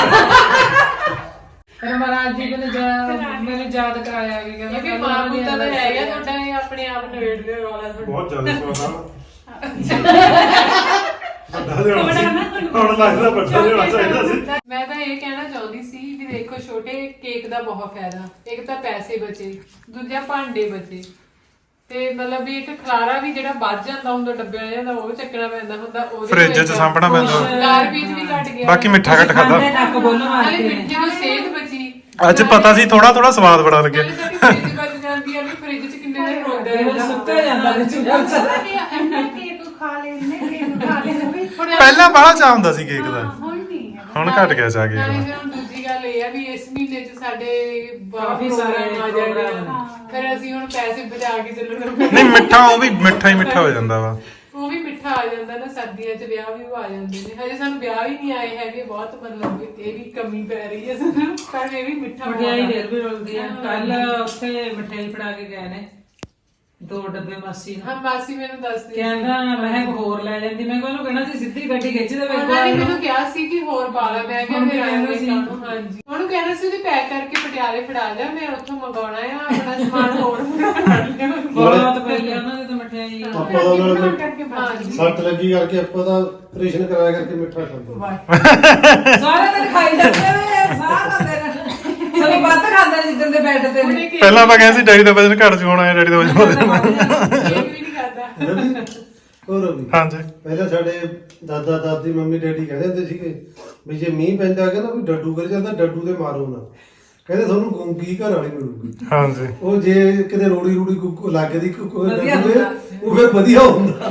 Speaker 5: ਪਰ ਮਹਾਰਾਜ ਜੀ ਮੈਨੂੰ ਯਾਦ ਕਰਾਇਆ ਕਿ
Speaker 1: ਇਹ ਵੀ ਮਾਂ ਪੁੱਤਾਂ ਦਾ ਹੈਗਾ ਤੁਹਾਡਾ ਇਹ ਆਪਣੇ ਆਪ ਨਵੇੜ ਲਿਓ ਰੌਲਾ ਤੁਹਾਡਾ
Speaker 3: ਬਹੁਤ ਜ਼ਿਆਦਾ ਸਵਾਦ ਵੱਡਾ ਦੇ ਹੁਣ ਲੱਗਦਾ ਵੱਡਾ ਦੇ ਚਾਹੀਦਾ ਸੀ
Speaker 1: ਮੈਂ ਤਾਂ ਇਹ ਕਹਿਣਾ ਚਾਹੁੰਦੀ ਸੀ ਵੀ ਦੇਖੋ ਛੋਟੇ ਕੇਕ ਦਾ ਬਹੁਤ ਫਾਇਦਾ ਇੱਕ ਤਾਂ ਪੈਸੇ ਬਚੇ ਦੂਜਾ ਭਾਂਡੇ ਬਚੇ ਤੇ ਮਤਲਬ ਵੀ ਇੱਕ ਖਲਾਰਾ ਵੀ ਜਿਹੜਾ ਵੱਜ ਜਾਂਦਾ ਹੁੰਦਾ ਡੱਬਿਆਂ ਜਾਂਦਾ ਉਹ ਚੱਕਣਾ ਪੈਂਦਾ ਹੁੰਦਾ ਉਹਦੇ
Speaker 2: ਫ੍ਰਿਜ 'ਚ ਸਾਂਭਣਾ ਪੈਂਦਾ
Speaker 1: ਗਾਰਬੇਜ ਵੀ ਘਟ ਗਿਆ
Speaker 2: ਬਾਕੀ ਮਿੱਠਾ ਘੱਟ ਖਾਦਾ
Speaker 5: ਨੱਕ ਬੋਲਣ
Speaker 1: ਨਾਲੇ
Speaker 5: ਵਾਸਤੇ
Speaker 1: ਮਿੱਠੇ ਨੂੰ ਸਿਹਤ ਬਚੀ
Speaker 2: ਅੱਜ ਪਤਾ ਸੀ ਥੋੜਾ ਥੋੜਾ ਸਵਾਦ ਬੜਾ ਲੱਗਿਆ
Speaker 1: ਨਾਲੇ ਸਾਡੀ ਫ੍ਰਿਜ ਬਚ ਜਾਂਦੀ ਆ ਵੀ ਫ੍ਰਿਜ 'ਚ ਕਿੰਨੇ ਦਿਨ ਰੋਂਦਾ
Speaker 5: ਕੇਵਲ ਸੁੱਕਾ ਜਾਂਦਾ ਵਿੱਚ
Speaker 7: ਇੰਨਾ ਕੇਕ ਖਾ ਲੈਣੇ ਕੇਕ ਖਾ ਲੈਣੇ ਵੀ
Speaker 2: ਪਹਿਲਾਂ ਬਾਹਲਾ ਚਾਹ ਹੁੰਦਾ ਸੀ ਕੇਕ ਦਾ
Speaker 7: ਹੁਣ ਨਹੀਂ ਹੈ
Speaker 2: ਹੁਣ ਘਟ ਗਿਆ ਚਾਹ
Speaker 1: ਨਾਲੇ
Speaker 2: ਕੇਕ
Speaker 1: ਫਿਰ ਹੁਣ ਦੂਜੀ ਗੱਲ ਇਹ ਆ ਵੀ ਇਸ ਮਹੀਨੇ 'ਚ ਸਾਡੇ
Speaker 5: ਕਾਫੀ ਸਾਰੇ
Speaker 1: ਆ ਜਾਣੇ
Speaker 5: ਪ੍ਰੋਗਰਾਮ
Speaker 1: ਆ। ਫਿਰ ਅਸੀਂ ਹੁਣ ਪੈਸੇ ਬਚਾ ਕੇ ਚੱਲਣਾ
Speaker 2: ਨਹੀਂ ਮਿੱਠਾ ਉਹ ਵੀ ਮਿੱਠਾ ਹੀ ਮਿੱਠਾ ਹੋ ਜਾਂਦਾ ਵਾ
Speaker 1: ਉਹ ਵੀ ਮਿੱਠਾ ਆ ਜਾਂਦਾ ਨਾ ਸਰਦੀਆਂ 'ਚ ਵਿਆਹ ਵੀ ਆ ਜਾਂਦੇ ਨੇ ਹਜੇ ਸਾਨੂੰ ਵਿਆਹ ਹੀ ਨਹੀਂ ਆਏ ਹੈਗੇ ਬਹੁਤ ਮਤਲਬ ਇਹ ਵੀ ਕਮੀ ਪੈ ਰਹੀ ਹੈ ਸਾਨੂੰ ਪਰ ਇਹ ਵੀ ਮਿੱਠਾ
Speaker 5: ਮਠਿਆਈ
Speaker 1: ਬਹੁਤ ਆ।
Speaker 5: ਢੇਰ ਵੀ ਰੁਲਦੀ ਆ ਕੱਲ ਉੱਥੇ ਮਠਿਆਈ ਫੜਾ ਕੇ ਗਏ ਨੇ 2 ਡੱਬੇ ਮਾਸੀ ਨੂੰ
Speaker 1: ਹਾਂ ਮਾਸੀ ਮੈਨੂੰ ਦੱਸਦੀ ਸੀ।
Speaker 5: ਕਹਿੰਦਾ ਮੈਂ ਕਿਹਾ ਹੋਰ ਲੈ ਜਾਂਦੀ ਮੈਂ ਕਿਹਾ ਉਹਨੂੰ ਕਹਿਣਾ ਸੀ ਸਿੱਧੀ ਗੱਡੀ ਖਿੱਚ ਦੇ
Speaker 1: ਉਹਨਾਂ ਨੇ ਮੈਨੂੰ ਕਿਹਾ ਸੀ ਕਿ ਹੋਰ ਪਾ ਲਾ ਮੈਂ ਕਿਹਾ
Speaker 5: ਹੁਣ
Speaker 1: ਮੇਰਾ
Speaker 5: ਕਹਿੰਦਾ ਸੀ।
Speaker 1: ਹਾਂਜੀ ਉਹਨੂੰ ਕਹਿਣਾ ਸੀ ਉਹਦੀ ਪੈਕ ਕਰਕੇ ਪਟਿਆਲੇ ਫੜਾ ਜਾ ਮੈਂ ਉੱਥੋਂ ਮੰਗਾਉਣਾ ਆ ਆਪਣਾ ਸਮਾਨ ਹੋਰ ਫੜ ਲਿਆ
Speaker 5: ਬਹੁਤ ਪਈ ਆ ਉਹਨਾਂ ਦੇ ਤਾਂ ਮਠਿਆਈ
Speaker 4: ਆਪਾਂ ਦਾ ਨਾਲ
Speaker 7: ਕਰਕੇ
Speaker 1: ਹਾਂਜੀ
Speaker 4: ਸੱਟ ਲੱਗੀ ਕਰਕੇ ਆਪਾਂ ਦਾ ਆਪਰੇਸ਼ਨ ਕਰਾਇਆ ਕਰਕੇ ਮਿੱਠਾ ਖਾਂਦੇ
Speaker 5: ਸਾਰੇ ਦਿਨ ਖਾਈ ਜਾਂਦੇ ਨੇ ਸਾਰਾ ਦਿਨ ਸਭ ਵੱਧ ਖਾਂਦੇ ਨੇ ਜਿੱਦਣ ਦੇ ਬੈੱਡ ਤੇ ਨੇ
Speaker 2: ਪਹਿਲਾਂ ਆਪਾਂ ਕਹਿੰਦੇ ਸੀ ਡੈਡੀ ਦਾ ਵਜਨ ਘਟ ਜੂ ਹੋਣਾ ਡੈਡੀ ਦਾ ਵਜਨ ਵਧ ਜਾਣਾ
Speaker 1: ਇਹ ਵੀ ਨਹੀਂ ਕਰਦਾ
Speaker 4: ਹੋਰ ਵੀ
Speaker 2: ਹਾਂਜੀ
Speaker 4: ਪਹਿਲਾਂ ਸਾਡੇ ਦਾਦਾ ਦਾਦੀ ਮੰਮੀ ਡੈਡੀ ਕਹਿੰਦੇ ਹੁੰਦੇ ਸੀਗੇ ਵੀ ਜੇ ਮੀਂਹ ਪੈਂਦਾ ਕਹਿੰਦਾ ਵੀ ਡੱਡੂ ਕਰ ਜਾਂਦਾ ਡੱਡੂ ਤੇ ਮਾਰੋ ਨਾ ਕਹਿੰਦੇ ਤੁਹਾਨੂੰ ਗੂੰਗੀ ਘਰ ਵਾਲੀ ਮਿਲੂਗੀ
Speaker 2: ਹਾਂਜੀ
Speaker 4: ਉਹ ਜੇ ਕਿਤੇ ਰੋੜੀ ਰੂੜੀ ਲੱਗਦੀ
Speaker 5: ਵਧੀਆ
Speaker 4: ਡੱਡੂ ਤੇ,
Speaker 5: ਹੁੰਦਾ।
Speaker 4: ਉਹ ਫਿਰ ਵਧੀਆ ਹੁੰਦਾ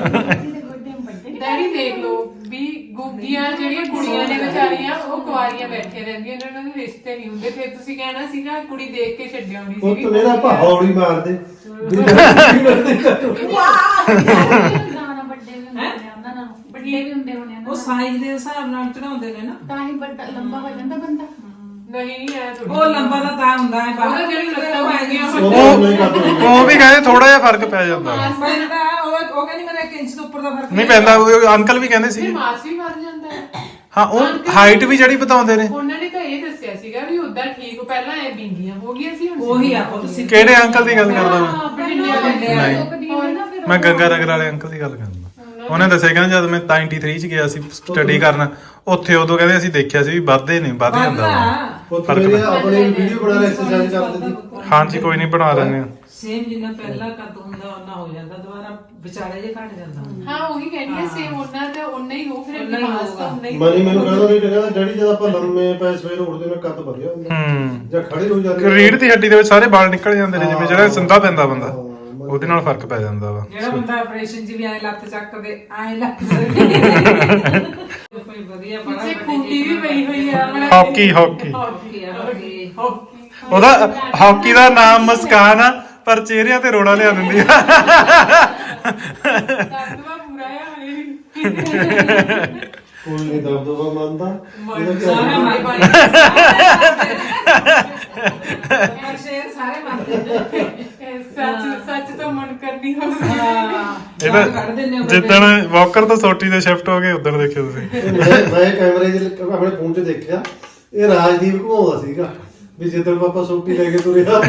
Speaker 1: ਡੈਡੀ ਦੇਖ ਲਓ ਵੀ ਗੁੱਗੀਆਂ ਜਿਹੜੀਆਂ ਕੁੜੀਆਂ ਨੇ ਵਿਚਾਰੀਆਂ ਉਹ ਕੁਆਰੀਆਂ ਬੈਠੀਆਂ ਰਹਿੰਦੀਆਂ ਨੇ ਉਹਨਾਂ ਦੇ ਰਿਸ਼ਤੇ ਨਹੀਂ ਹੁੰਦੇ ਫਿਰ ਤੁਸੀਂ ਕਹਿਣਾ ਸੀਗਾ ਕੁੜੀ ਦੇਖ ਕੇ ਛੱਡਿਆ ਹੋਣੀ
Speaker 4: ਪੁੱਤ
Speaker 1: ਸੀ
Speaker 4: ਮੇਰਾ ਹੌਲੀ ਮਾਰਦੇ ਵੀ ਡੱਡੂ ਮਿਲਦੇ ਘੱਟੋ।
Speaker 7: ਗਾਣਾ ਵੱਡੇ ਵੀ ਹੁੰਦੇ ਨੇ ਉਹਨਾਂ ਨਾਲ ਵੱਡੇ ਵੀ ਹੁੰਦੇ ਹੋਣੇ
Speaker 5: ਉਹ ਸਾਈਜ਼ ਦੇ ਹਿਸਾਬ ਨਾਲ ਚੜਾਉਂਦੇ ਨੇ ਨਾ
Speaker 7: ਤਾਂ ਹੀ ਵੱਡਾ ਲੰਬਾ ਹੋ ਜਾਂਦਾ ਬੰਦਾ
Speaker 1: ਨਹੀਂ ਐ ਥੋੜੀ
Speaker 5: ਉਹ ਲੰਬਾ ਤਾਂ ਹੁੰਦਾ ਹੈ
Speaker 1: ਉਹਦਾ ਜਿਹੜੀ ਲੱਤਾਂ ਹੁੰਦੀਆਂ
Speaker 4: ਉਹ ਨਹੀਂ ਕਰਦੇ
Speaker 2: ਉਹ ਵੀ ਕਹਿੰਦੇ ਥੋੜਾ ਜਿਹਾ ਫਰਕ ਪੈ ਜਾਂਦਾ ਵਾ।
Speaker 5: ਪੈਂਦਾ ਉਹ ਕਹਿੰਦੀ ਮੇਰਾ 1 ਇੰਚ ਤੋਂ ਉੱਪਰ ਦਾ ਫਰਕ
Speaker 2: ਨਹੀਂ ਪੈਂਦਾ ਉਹ ਅੰਕਲ ਵੀ ਕਹਿੰਦੇ
Speaker 1: ਫਿਰ
Speaker 2: ਸੀ
Speaker 1: ਮਾਸ ਵੀ ਮਰ ਜਾਂਦਾ ਹੈ
Speaker 2: ਹਾਂ ਉਹ ਹਾਈਟ ਵੀ ਜਿਹੜੀ ਬਤਾਉਂਦੇ ਨੇ
Speaker 1: ਉਹਨਾਂ ਨੇ ਤਾਂ ਇਹ ਦੱਸਿਆ ਸੀਗਾ ਵੀ ਉਦਾਂ ਠੀਕ ਪਹਿਲਾਂ ਐ ਬਿੰਗੀਆਂ ਹੋ ਗਈਆਂ ਸੀ ਹੁਣ
Speaker 5: ਉਹੀ ਆ ਤੁਸੀਂ
Speaker 2: ਕਿਹੜੇ ਅੰਕਲ ਦੀ ਗੱਲ ਕਰਦਾ ਮੈਂ
Speaker 7: ਨਹੀਂ
Speaker 2: ਮੈਂ ਗੰਗਾ ਨਗਰ ਵਾਲੇ ਅੰਕਲ ਦੀ ਗੱਲ ਕਰਦਾ ਉਹਨੇ ਦੱਸਿਆ ਕਹਿੰਦਾ ਜਦ ਮੈਂ 93 ਚ ਗਿਆ ਸੀ ਸਟੱਡੀ ਕਰਨ ਉੱਥੇ ਉਦੋਂ ਕਹਿੰਦੇ ਅਸੀਂ ਦੇਖਿਆ ਸੀ ਵੀ ਵੱਧਦੇ ਨੇ ਵੱਧ ਜਾਂਦਾ ਵਾ।
Speaker 4: ਪੁੱਤ ਮੇਰੇ ਆਪਣੇ ਵੀਡੀਓ ਬਣਾ ਲੈ ਐਕਸਰਸਾਈਜ਼ ਕਰਦੇ ਸੀ
Speaker 2: ਹਾਂਜੀ ਕੋਈ ਨਹੀਂ ਬਣਾ ਲੈਣੇ ਆ
Speaker 5: ਸੇਮ ਜਿੰਨਾ ਪਹਿਲਾਂ ਕੱਦ ਹੁੰਦਾ ਉਹਨਾਂ ਹੋ ਜਾਂਦਾ ਦੁਬਾਰਾ ਵਿਚਾਲੇ ਜੇ ਘਟ ਜਾਂਦਾ
Speaker 1: ਹਾਂ ਉਹੀ ਕਹਿੰਦੀ ਹੈ ਸੇਮ ਉਹਨਾਂ ਦਾ ਉਹਨਾਂ ਹੀ ਹੋ ਫਿਰ
Speaker 5: ਓਨਾ ਹੀ
Speaker 1: ਮਾਸ ਤਾਂ
Speaker 5: ਹੋਊਗਾ।
Speaker 1: ਉਹਨਾਂ ਹੀ
Speaker 4: ਮਨੀ ਮੈਨੂੰ ਕਹਿੰਦਾ ਨਹੀਂ ਕਹਿੰਦਾ ਡੈਡੀ ਜਦ ਆਪਾਂ ਲੰਮੇ ਪੈ ਸਵੇਰ ਉੱਠਦੇ ਨੇ ਕੱਦ ਭਰਿਆ ਹੁੰਦਾ ਜਾਂ ਖੜੇ ਹੋ ਜਾਂਦੇ
Speaker 2: ਰੀੜ ਦੀ ਹੱਡੀ ਦੇ ਵਿੱਚ ਸਾਰੇ ਵਾਲ ਨਿਕਲ ਜਾਂਦੇ ਨੇ ਜਿਵੇਂ ਜਿਹੜਾ ਸੰਧਾ ਪੈਂਦਾ ਬੰਦਾ ਉਹਦੇ ਨਾਲ ਫਰਕ ਪੈ ਜਾਂਦਾ ਵਾ
Speaker 5: ਜਿਹੜਾ ਬੰਦਾ ਆਪਰੇਸ਼ਨ 'ਚ ਵੀ ਐ ਲੱਤ ਚੱਕਦੇ ਐ ਲੱਤ ਕੋਈ ਵਧੀਆ ਬੜਾ
Speaker 1: ਪਿੱਛੇ ਖੂੰਡੀ ਵੀ ਪਈ ਹੋਈ ਆ ਬੜਾ
Speaker 2: ਹਾਕੀ ਹਾਕੀ
Speaker 5: ਹਾਕੀ ਆ ਹਾਕੀ
Speaker 2: ਉਹਦਾ ਹਾਕੀ ਦਾ ਨਾਮ ਮੁਸਕਾਨ ਆ ਪਰ ਚਿਹਰਿਆਂ ਤੇ ਰੋੜਾ ਲਿਆ ਦਿੰਦੀ ਆ
Speaker 1: ਦਰਦਵਾ ਪੂਰਾ ਆ ਹਲੇ
Speaker 4: ਕੋਈ ਨਹੀਂ ਦਬਦਬਾ ਮੰਨਦਾ
Speaker 5: ਸਾਰੇ ਮਾਰੇ ਸ਼ੇਰ ਸਾਰੇ ਮੰਨਦੇ
Speaker 1: ਸੱਚ ਸੱਚ ਤੋਂ ਮਨ ਕਰਨੀ ਹੋ
Speaker 5: ਹਾਂ ਕੱਢ ਦਿੰਦੇ ਹੋ
Speaker 2: ਜਿੱਦਣ ਵਾਕਰ ਤੋਂ ਸੋਟੀ ਦੇ ਸ਼ਿਫਟ ਹੋ ਗਏ ਉਦੋਂ ਦੇਖਿਓ ਤੁਸੀਂ
Speaker 4: ਤੇ ਮੈਂ ਕੈਮਰੇ 'ਚ ਆਪਣੇ ਫੋਨ 'ਚ ਦੇਖਿਆ ਇਹ ਰਾਜਦੀਪ ਘੁਮਾਉਂਦਾ ਸੀਗਾ ਵੀ ਜਿੱਦਣ ਪਾਪਾ ਸੋਟੀ ਲੈ ਕੇ ਤੁਰਿਆ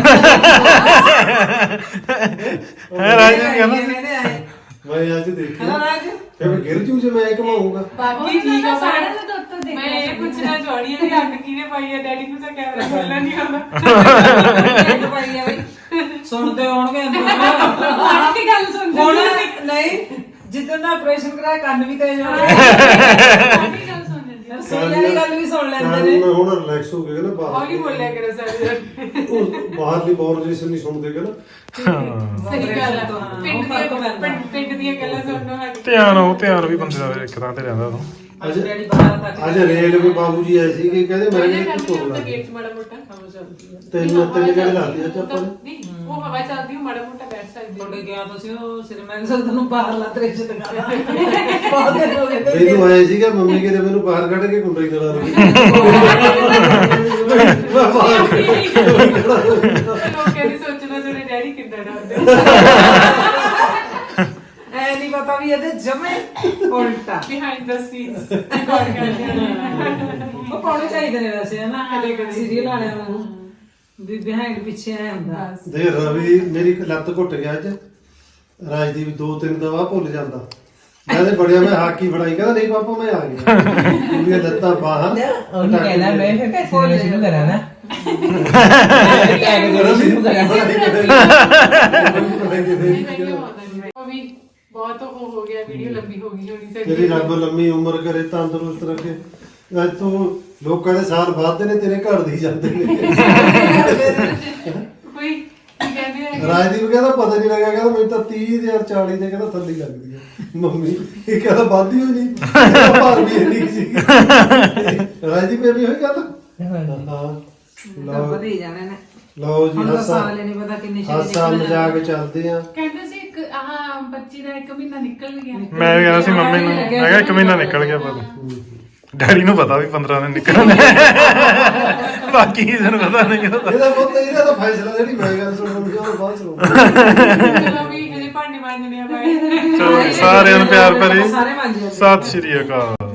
Speaker 2: ਹੈ ਰਾਜ ਨੇ ਕਹਿੰਦਾ
Speaker 5: ਕਹਿੰਦੇ ਆਏ
Speaker 4: ਮੈਂ ਅੱਜ ਦੇਖਿਆ
Speaker 5: ਹਨਾ ਰਾਜ
Speaker 4: ਫਿਰ ਮੈਂ ਗਿਰ ਜੂ ਜੇ ਮੈਂ ਘੁਮਾਉਂਗਾ
Speaker 1: ਬਾਕੀ ਠੀਕ ਆ
Speaker 7: ਸਾੜਾ ਤੇ ਉੱਤੋਂ ਦੇਖ
Speaker 1: ਮੈਂ ਇਹ ਪੁੱਛਣਾ ਚਾਹਣੀ ਹੈ ਕਿ ਅੱਗ ਕਿਹਨੇ ਪਾਈ ਹੈ ਡੈਡੀ ਨੂੰ ਤਾਂ ਕੈਮਰਾ ਖੋਲਣਾ ਨਹੀਂ ਆਉਂਦਾ
Speaker 5: ਇੱਕ ਪਾਈ ਆ ਬਈ ਸੁਣਦੇ ਹੋਣਗੇ ਅੰਦਰ
Speaker 7: ਆਹ ਕੀ ਗੱਲ ਸੁਣਦੇ
Speaker 5: ਹੁਣ ਨਹੀਂ ਜਿੱਦਣ ਦਾ ਆਪਰੇਸ਼ਨ ਕਰਾਇਆ ਕੰਨ ਵੀ ਤੇਜ਼ ਹੋ ਗਏ
Speaker 7: ਆਹ ਕੀ ਗੱਲ ਸੁਣਦੇ
Speaker 5: ਰਸੋਈ ਵਾਲੀ ਗੱਲ ਵੀ ਸੁਣ ਲੈਂਦੇ ਨੇ
Speaker 4: ਮੈਂ ਹੁਣ ਰਿਲੈਕਸ ਹੋ ਗਿਆ ਨਾ ਬਾਹਰ
Speaker 1: ਹੌਲੀ ਬੋਲਿਆ ਕਰੋ ਸਾਰੇ
Speaker 4: ਉਹ ਬਾਹਰਲੀ ਬੌਰਜੇਸ਼ਨ ਨਹੀਂ ਸੁਣਦੇ ਕਿ ਨਾ
Speaker 1: ਸਹੀ ਗੱਲ ਆ ਪਿੰਡ ਦੀਆਂ ਗੱਲਾਂ ਸੁਣਨੋਂ ਹਟ
Speaker 2: ਧਿਆਨ ਵੀ ਬੰਦੇ ਦਾ ਇੱਕ ਥਾਂ ਤੇ ਰਹਿੰਦਾ ਉਹ
Speaker 4: ਅੱਜ
Speaker 5: ਡੈਡੀ ਬਾਹਰ ਤੱਕ
Speaker 4: ਅੱਜ ਰੇਲਵੇ ਬਾਬੂ ਜੀ ਆਏ ਸੀ ਕਿ ਕਹਿੰਦੇ ਮੈਂ
Speaker 1: ਉਹਨੇ
Speaker 4: ਇੱਕ ਤੋੜ ਲਾ
Speaker 1: ਗੇਟ ਮਾੜਾ ਮੋਟਾ ਹਵਾ ਚੱਲਦੀ ਹੈ
Speaker 4: ਤਿੰਨ ਜਿਹੜੇ ਲਾਤੇ ਅੱਜ ਆਪਾਂ ਨੇ
Speaker 1: ਨਹੀਂ ਉਹ ਹਵਾ ਚੱਲਦੀ ਉਹ ਮਾੜਾ ਮੋਟਾ ਬੈਠ ਸਕਦੀ
Speaker 5: ਤੁਹਾਡੇ ਗਿਆ ਤੁਸੀਂ ਉਹ ਸਿਨੇਮਾ ਸਰ ਤੁਹਾਨੂੰ ਬਾਹਰ ਲੱਤ ਰਿਚ ਦਿਖਾਇਆ ਬਹੁਤ ਦਿਨ ਹੋ ਗਏ ਤੇ
Speaker 4: ਮੈਨੂੰ ਆਏ ਸੀਗਾ ਮੰਮੀ ਕਿਤੇ ਮੈਨੂੰ ਬਾਹਰ ਕੱਢ ਕੇ ਕੁੰਡਾ ਹੀ ਕਰਾ ਰਹੀ
Speaker 1: ਲੋਕਾਂ ਦੀ ਸੋਚਣਾ ਜਿਹੜੇ ਡੈਡੀ ਕਿੰਨਾ ਡਰਦੇ
Speaker 5: ਐ ਨਹੀਂ ਪਤਾ ਵੀ ਇਹਦੇ ਜਮੇ ਉਲਟਾ
Speaker 1: ਬਿਹਾਈਂਡ ਦਾ ਸੀਨਸ ਰਿਕਾਰਡ ਕਰਦੇ ਨੇ
Speaker 5: ਉਹ ਪਾਉਣੇ ਚਾਹੀਦੇ ਨੇ ਵੈਸੇ ਹਨਾ ਕਦੇ ਸੀਰੀਅਲ ਵਾਲਿਆਂ ਨੂੰ ਵੀ ਬਿਹਾਈਂਡ ਪਿੱਛੇ ਆਇਆ ਹੁੰਦਾ
Speaker 4: ਦੇ ਰਵੀ ਮੇਰੀ ਲੱਤ ਘੁੱਟ ਗਿਆ ਅੱਜ ਰਾਜਦੀਪ 2-3 ਦਵਾ ਭੁੱਲ ਜਾਂਦਾ ਮੈਂ ਤੇ ਬੜਿਆ ਮੈਂ ਹਾਕੀ ਫੜਾਈ ਕਹਿੰਦਾ ਨਹੀਂ ਪਾਪਾ ਮੈਂ ਆ ਗਿਆ ਮੇਰੀਆਂ ਲੱਤਾਂ ਬਾਹਾਂ
Speaker 5: ਉਹਨੂੰ ਕਹਿੰਦਾ ਮੈਂ ਫਿਰ ਕੈਸੇ ਸ਼ੁਰੂ ਕਰਾਂ ਨਾ
Speaker 1: ਉਹ ਵੀ ਬਹੁਤ ਉਹ ਹੋ ਗਿਆ ਵੀਡੀਓ ਲੰਬੀ ਹੋ ਗਈ ਹੋਣੀ
Speaker 4: ਤੇਰੀ ਰੱਬ ਲੰਮੀ ਉਮਰ ਕਰੇ ਤੰਦਰੁਸਤ ਰੱਖੇ ਅੱਜ ਤੂੰ ਲੋਕਾਂ ਦੇ ਸਾਲ ਵੱਧਦੇ ਨੇ ਤੇਰੇ ਘਰ ਦੇ ਹੀ ਜਾਂਦੇ ਨੇ
Speaker 1: ਕੋਈ ਕੀ ਕਹਿੰਦੇ ਆ
Speaker 4: ਰਾਜਦੀਪ ਕਹਿੰਦਾ ਪਤਾ ਨਹੀਂ ਲੱਗਾ ਕਹਿੰਦਾ ਮੈਨੂੰ ਤਾਂ 30 ਤੇ 40 ਦੇ ਕਹਿੰਦਾ ਥੱਲੇ ਲੱਗਦੀ ਹੈ ਮੰਮੀ ਇਹ ਕਹਿੰਦਾ ਵੱਧਦੀ ਹੋਈ ਨਹੀਂ ਭਾਰ ਵੀ ਨਹੀਂ ਸੀ ਰਾਜਦੀਪ ਇਹ ਵੀ ਹੋਈ ਗੱਲ ਹਾਂ ਲਓ
Speaker 5: ਵਧੀ ਜਾਣੇ ਨੇ
Speaker 4: ਲਓ ਜੀ
Speaker 5: ਹੁਣ ਤਾਂ
Speaker 4: ਹਾਸਾ
Speaker 5: ਸਾਲ ਹੀ ਨਹੀਂ ਪਤਾ ਕਿੰਨੀ
Speaker 4: ਹਾਸਾ ਮਜ਼ਾਕ ਚੱਲਦੇ ਆ
Speaker 7: ਕਹਿੰਦੇ ਸੀ ਇੱਕ ਆਹ ਬੱਚੀ ਦਾ 1 ਮਹੀਨਾ ਨਿਕਲ ਗਿਆ
Speaker 2: ਮੈਂ ਵੀ ਕਹਿੰਦਾ ਸੀ ਮੰਮੀ ਨੂੰ ਮੈਂ ਕਿਹਾ 1 ਮਹੀਨਾ ਨਿਕਲ ਗਿਆ ਪਰ ਡੈਡੀ ਨੂੰ ਪਤਾ ਵੀ 15 ਦਿਨ ਨਿਕਲਣੇ ਬਾਕੀ ਕਿਸੇ ਨੂੰ ਪਤਾ ਨਹੀਂ ਕਿਹਦਾ
Speaker 4: ਇਹਦਾ ਤਾਂ ਫੈਸਲਾ ਜਿਹੜੀ ਮੈਂ ਗੱਲ ਸੁਣਨ ਦੀ ਉਹ ਬਾਅਦ ਸੁਣੋ
Speaker 1: ਚਲੋ ਵੀ ਇਹਦੇ ਭਾਂਡੇ ਮਾਂਜਣੇ ਆ ਬਾਏ
Speaker 2: ਚਲੋ ਸਾਰਿਆਂ ਨੂੰ ਪਿਆਰ ਭਰੀ
Speaker 5: ਸਾਰੇ ਮੰਨ ਜਾਂਦੇ
Speaker 2: ਸਤਿ ਸ਼੍ਰੀ ਅਕਾਲ